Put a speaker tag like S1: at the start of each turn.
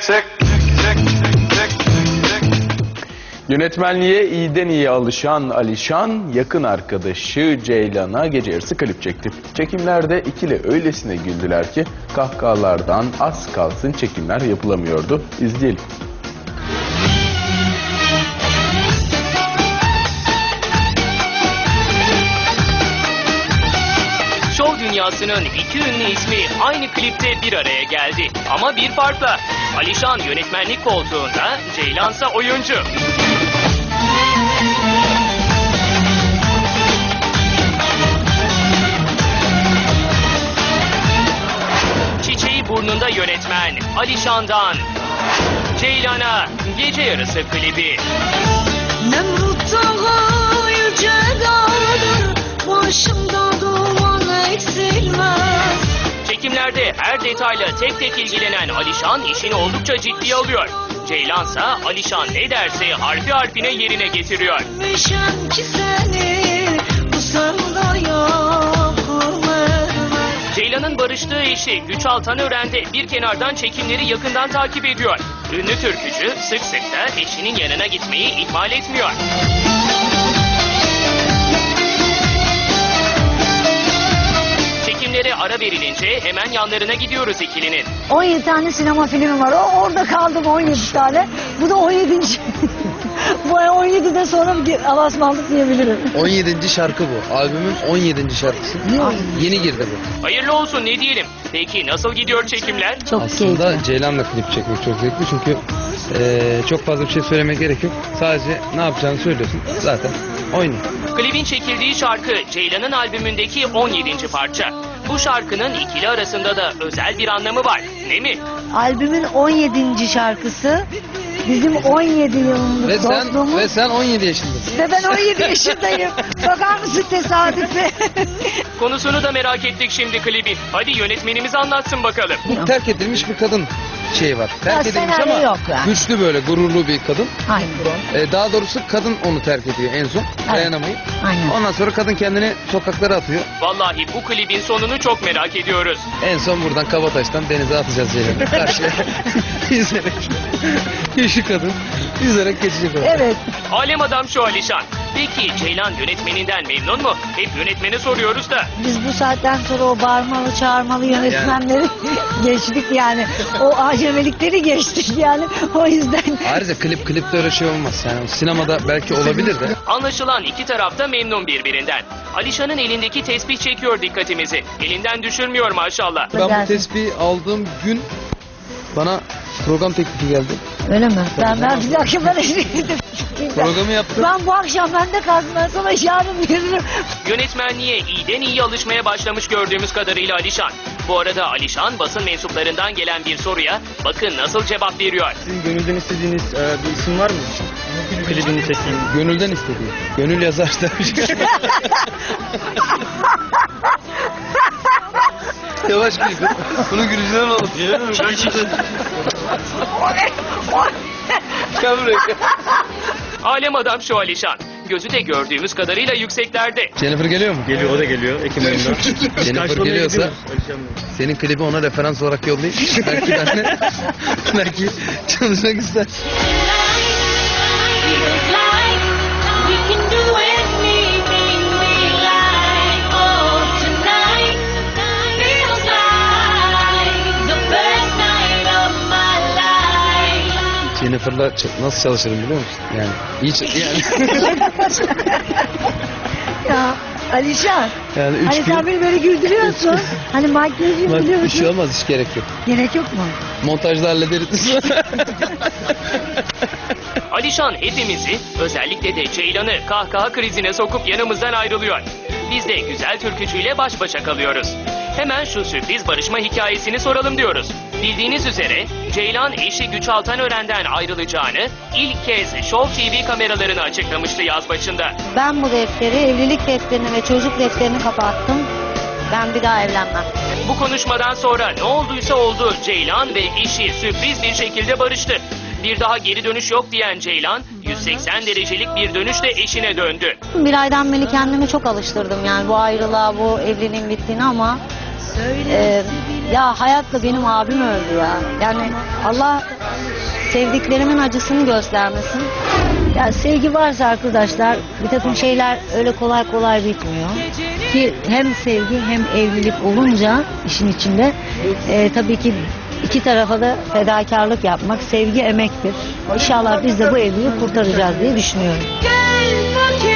S1: Yönetmenliğe iyiden iyi alışan Alişan, yakın arkadaşı Ceylan'a gece yarısı klip çekti. Çekimlerde ikili öylesine güldüler ki kahkahalardan az kalsın çekimler yapılamıyordu. İzleyelim.
S2: Şov dünyasının iki ünlü ismi aynı klipte bir araya geldi. Ama bir farkla. Alişan yönetmenlik koltuğunda, Ceylansa oyuncu. Çiçeği burnunda yönetmen Alişan'dan Ceylan'a gece yarısı klibi.
S3: Nemrut dağı yüce dağdır, başımda duman eksilmez.
S2: Çekimlerde her detayla tek tek ilgilenen Alişan işini oldukça ciddiye alıyor. Ceylansa Alişan ne derse harfi harfine yerine getiriyor.
S3: Mişem ki seni bu sevdaya kurmaz.
S2: Ceylan'ın barıştığı eşi Güç Altanören de bir kenardan çekimleri yakından takip ediyor. Ünlü türkücü sık sık da eşinin yanına gitmeyi ihmal etmiyor. Çekimlere ara verilince hemen yanlarına gidiyoruz ikilinin.
S4: 17 tane sinema filmi var. Orada kaldım 17 tane. Bu da 17. Bu 17'den sonra bir avazmanlık diyebilirim.
S5: 17. şarkı bu. Albümün 17. şarkısı. Yeni girdi bu.
S2: Hayırlı olsun ne diyelim. Peki nasıl gidiyor çekimler?
S4: Çok
S5: Aslında
S4: keyifli.
S5: Ceylan'la klip çekmek çok zevkli çünkü çok fazla bir şey söylemek gerek yok. Sadece ne yapacağını söylüyorsun. Zaten oynuyor.
S2: Klibin çekildiği şarkı Ceylan'ın albümündeki 17. parça. Bu şarkının ikili arasında da özel bir anlamı var, değil mi?
S4: Albümün 17. şarkısı. Bizim 17 yıllık dostluğumuz.
S5: Ve sen 17 yaşındasın.
S4: Ve ben 17 yaşındayım. Bakar mısın tesadüfe?
S2: Konusunu da merak ettik şimdi klibin. Hadi yönetmenimiz anlatsın bakalım.
S5: Bu terk edilmiş bir kadın şeyi var. Terk edilmiş
S4: senaryo
S5: ama
S4: yok yani.
S5: güçlü böyle gururlu bir kadın.
S4: Aynen.
S5: Daha doğrusu kadın onu terk ediyor en son. Dayanamayıp.
S4: Aynen.
S5: Ondan sonra kadın kendini sokaklara atıyor.
S2: Vallahi bu klibin sonunu çok merak ediyoruz.
S5: En son buradan Kabataş'tan denize atacağız Ceylan'ı. Karşıya. Yüzerek. Şu kadın yüzerek geçecek orada.
S4: Evet.
S2: Alem adam şu Alişan. Peki Ceylan yönetmeninden memnun mu? Hep yönetmene soruyoruz da.
S4: Biz bu saatten sonra o bağırmalı çağırmalı yönetmenleri geçtik yani. O acemelikleri geçtik yani. O yüzden.
S5: Ayrıca klipte öyle şey olmaz. Yani sinemada belki olabilir de.
S2: Anlaşılan iki taraf da memnun birbirinden. Alişan'ın elindeki tesbih çekiyor dikkatimizi. Elinden düşürmüyor maşallah.
S5: Ben bu tespihi aldığım gün bana program teklifi geldi.
S4: Öyle mi? Ben bir dakika ben
S5: Programı yaptım.
S4: Ben bu akşam bende kalsın. Ben sana yarın veririm.
S2: Yönetmenliğe iyiden iyi alışmaya başlamış gördüğümüz kadarıyla Alişan. Bu arada Alişan basın mensuplarından gelen bir soruya bakın nasıl cevap veriyor.
S6: Sizin gönülden istediğiniz bir isim var mı? Klibini çekeyim.
S5: Gönülden istediği. Gönül yazar demiş. Yavaş gül. Bunu gülücüden alalım. Gel buraya.
S2: Alem adam şu Alişan. Gözü de gördüğümüz kadarıyla yükseklerde.
S5: Jennifer geliyor mu?
S6: Geliyor, o da geliyor Ekim ayında.
S5: Jennifer geliyorsa senin klibi ona referans olarak yollayayım. Belki benimle belki çalışmak ister. Jennifer'la nasıl çalışırım biliyor musun? Yani hiç yani.
S4: Ya Alişan.
S5: Yani 3
S4: Hani
S5: gün.
S4: sen beni böyle güldürüyorsun. Hani makyajı
S5: Bak,
S4: biliyorsun.
S5: bir şey olmaz, hiç gerek yok.
S4: Gerek yok mu?
S5: Montajda hallederiz.
S2: Alişan hepimizi, özellikle de Ceylan'ı kahkaha krizine sokup yanımızdan ayrılıyor. Biz de güzel türkücüyle baş başa kalıyoruz. Hemen şu sürpriz barışma hikayesini soralım diyoruz. Bildiğiniz üzere Ceylan eşi Güç Altanören'den ayrılacağını ilk kez Show TV kameralarına açıklamıştı yaz başında.
S4: Ben bu defteri, evlilik defterini ve çocuk defterini kapattım. Ben bir daha evlenmem.
S2: Bu konuşmadan sonra ne olduysa oldu. Ceylan ve eşi sürpriz bir şekilde barıştı. Bir daha geri dönüş yok diyen Ceylan 180 derecelik bir dönüşle eşine döndü.
S4: Bir aydan beri kendimi çok alıştırdım yani bu ayrılığa, bu evliliğin bittiğini ama
S7: Ya hayatta benim abim öldü ya. Yani Allah sevdiklerimin acısını göstermesin. Ya sevgi varsa arkadaşlar bir takım şeyler öyle kolay kolay bitmiyor. Ki hem sevgi hem evlilik olunca işin içinde tabii ki iki tarafa da fedakarlık yapmak, sevgi emektir. İnşallah biz de bu evliliği kurtaracağız diye düşünüyorum.
S3: Gel fakir